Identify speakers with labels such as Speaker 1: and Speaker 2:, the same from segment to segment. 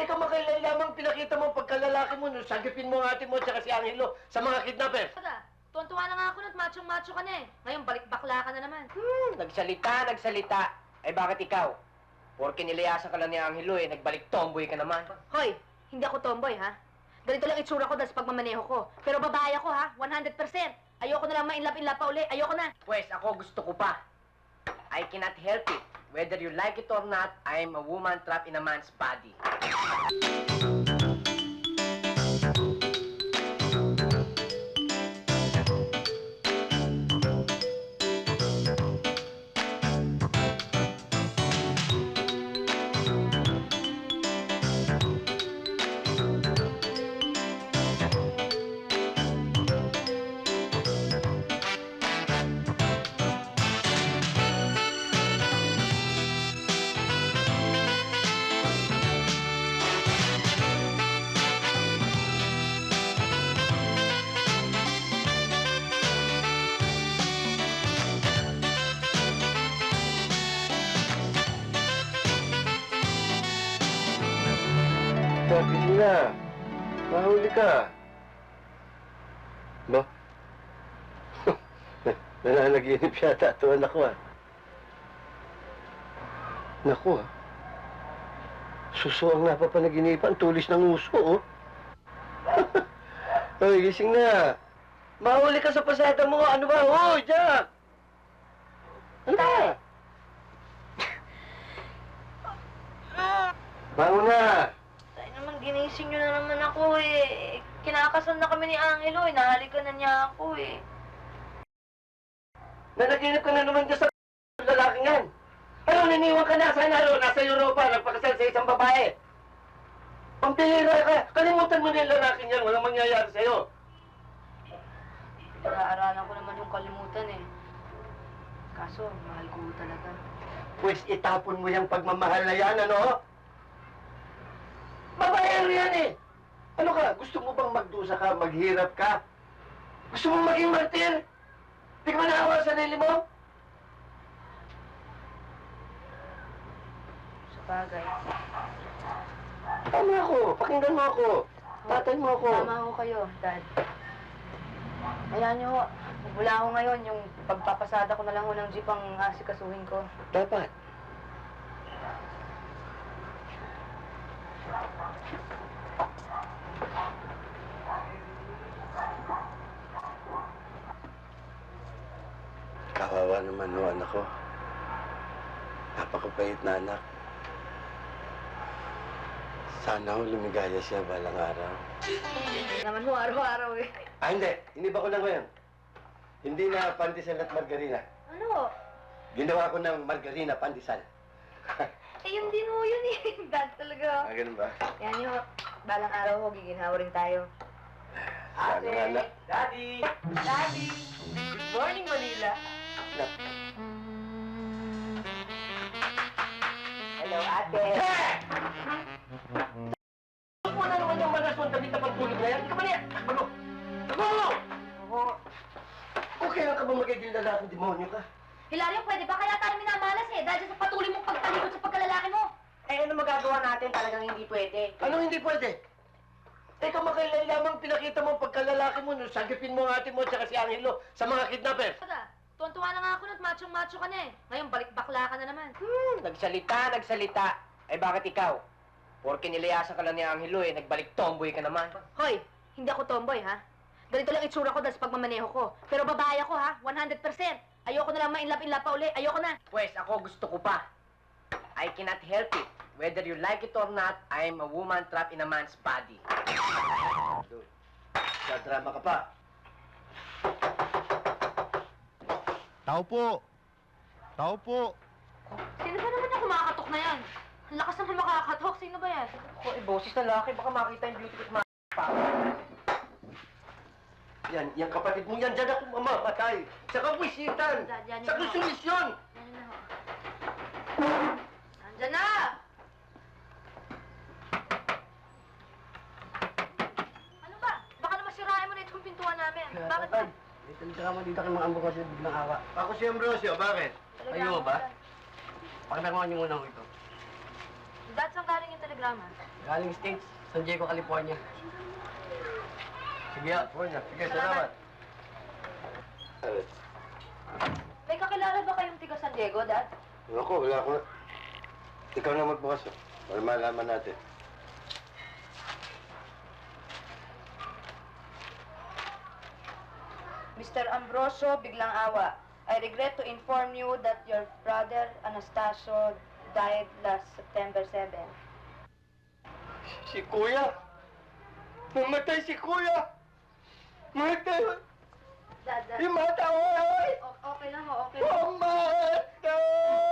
Speaker 1: Teka, makailan lamang pinakita mo pagkalalaki mo nung sagipin mo ang ate mo at saka si Angelo sa mga kidnapper.
Speaker 2: Tuwan-tuwa na nga ako at machong-macho ka na eh. Ngayon, balik-bakla ka na naman.
Speaker 1: Nagsalita. Eh bakit ikaw? Porke nilayasan ka lang ni Angelo eh, nagbalik tomboy ka naman.
Speaker 2: Hoy, hindi ako tomboy, ha? Ganito lang itsura ko dahil sa pagmamaneho ko. Pero babae ako, ha? 100%. Ayoko na lang ma-inlap-inlap pa uli. Ayoko na.
Speaker 1: Pwes, ako gusto ko pa. I cannot help it. Whether you like it or not, I am a woman trapped in a man's body. Sabi na, mahuli ka. Ba? Nananaginip yata ito, anak ko ah. Naku ah. Suso ang napapanaginipan, tulis ng uso oh. Hoy, gising na. Mahuli ka sa pasada mo. Ano ba? Hoy, Jack! Ano ba? Bangon na!
Speaker 2: Ay naman, ginising nyo na naman ako eh. Kinakasal na kami ni Angelo eh. Nahalikan na niya ako eh.
Speaker 1: Nanaginip ka na naman dyan sa lalaking yan. Ano, niniwan ka na? Sana nasa Europa, nagpakasal sa isang babae. Pampihira ka. Kalimutan mo na yung lalaking yan. Walang mangyayari sa'yo.
Speaker 2: Pinag-aaralan ko naman yung kalimutan eh. Kaso, mahal ko talaga.
Speaker 1: Pues itapon mo yung pagmamahal na yan, ano? Babaero yan eh. Ano ka? Gusto mo bang magdusa ka, maghirap ka? Gusto mo maging martir? Di ka ba naawa sa sarili mo?
Speaker 2: Sa bagay.
Speaker 1: Tama ako. Pakinggan mo ako. Tatay mo ako.
Speaker 2: Tama ho kayo, Dad. Ayan nyo ho. Mula ho ngayon, yung pagpapasada ko na lang ho ng jeep ang asikasuhin ko.
Speaker 1: Dapat. Kawawa naman no, anak ko. Napakapait na anak. Sana ho lumigaya siya balang araw.
Speaker 2: Naman ho, araw-araw eh.
Speaker 1: Ah, hindi. Iniba ko lang ngayon. Hindi na pandesal at margarina.
Speaker 2: Ano?
Speaker 1: Ginawa ko ng margarina pandesal.
Speaker 2: Eh, yun din ho yun eh. Dad talaga.
Speaker 1: Ah, ganun ba?
Speaker 2: Yan nyo, balang araw ho, giginhawa rin tayo.
Speaker 1: Sana nga na.
Speaker 2: Daddy! Daddy! Good morning, Manila!
Speaker 1: Anak.
Speaker 2: Hello, ate!
Speaker 1: Ano na naman yung malaswan tabi na pagtulog na yan? Hindi ka ba niya? Ano? Ano?
Speaker 2: Oo.
Speaker 1: Okay lang ka ba magiging lalaking demonyo ka?
Speaker 2: Hilario, pwede ba kaya tayo minamalas eh? Dahil sa patuloy mong pagtalikod sa pagkalalaki mo. Eh, ano magagawa natin? Talagang hindi pwede.
Speaker 1: Ano hindi pwede? Teka, makailan lamang pinakita mo pagkalalaki mo nung sagipin mo ang ate mo at saka si Angelo sa mga kidnapper.
Speaker 2: Tuwan-tuwa na nga ako at machong-macho ka na eh. Ngayon, balik-bakla ka na naman.
Speaker 1: Nagsalita. Eh bakit ikaw? Porke nilayasan ka lang ni Angelo eh, nagbalik tomboy ka naman.
Speaker 2: Hoy, hindi ako tomboy, ha? Ganito lang itsura ko dahil sa pagmamaneho ko. Pero babae ako, ha? 100%. Ayoko na lang ma-inlap-inlap pa uli. Ayoko na.
Speaker 1: Pwes, ako gusto ko pa. I cannot help it. Whether you like it or not, I am a woman trapped in a man's body. Sa drama ka pa.
Speaker 3: Tao po! Tao po!
Speaker 2: Sino ba naman yung kumakatok na yan? Ang lakas naman makakatok. Sino ba yan?
Speaker 1: Ako, boses na laki. Baka makita yung beauty ko sa mga pa. Yan, yung kapatid mo yan, dyan ako mamamatay. Sa kabwisitan.
Speaker 2: Yan,
Speaker 1: Sa konsumisyon.
Speaker 2: Yan na ho. Nandyan na! Ano ba? Baka naman sirain mo na itong pintuan namin. Bakit ba?
Speaker 1: May talaga dito kay mga ambukasyo biglang awa. Ako si Ambrosio, bakit? Kayo ba? Pakinakuha niyo muna ako ito.
Speaker 2: Dad, saan galing yung telegrama? salamat.
Speaker 4: Galing States, San Diego, California.
Speaker 1: Sige, California. Sige,
Speaker 2: Salamat.
Speaker 1: salamat.
Speaker 2: May kakilala ba kayong tiga San Diego, Dad?
Speaker 1: Ako, wala ko. Ikaw na magbukas, para malaman natin.
Speaker 2: Mr. Ambrosio Biglang Awa, I regret to inform you that your brother Anastasio died last September 7.
Speaker 1: Si Kuya! Mamatay si Kuya! Mamatay!
Speaker 2: Dad,
Speaker 1: Imataway!
Speaker 2: okay lang ho, okay lang.
Speaker 1: Pumatay!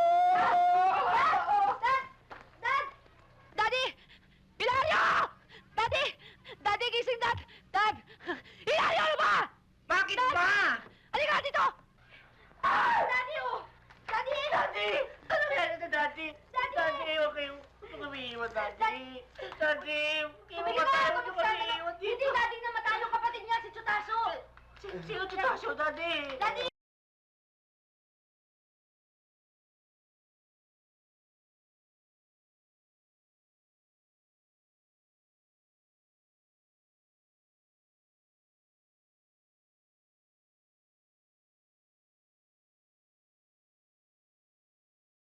Speaker 2: Dad! Dad! Daddy! Ilario! Daddy! Daddy, gising, Dad! Dad! Ilario, ano ba?
Speaker 4: Bakit
Speaker 2: Dad!
Speaker 4: ba?
Speaker 2: Halika dito! Daddy, oh! Daddy!
Speaker 4: Daddy! Ano nangyari sa Daddy?
Speaker 2: Daddy!
Speaker 4: Daddy, okay. Huwag kang umiiwan, Daddy. Daddy,
Speaker 2: Tumigil ka!
Speaker 4: huwag kang umiiwan
Speaker 2: Hindi,
Speaker 4: dito.
Speaker 2: Daddy, namatay yung kapatid niya, si Chutaso!
Speaker 4: Sino Tutasyo, Daddy?
Speaker 2: Daddy!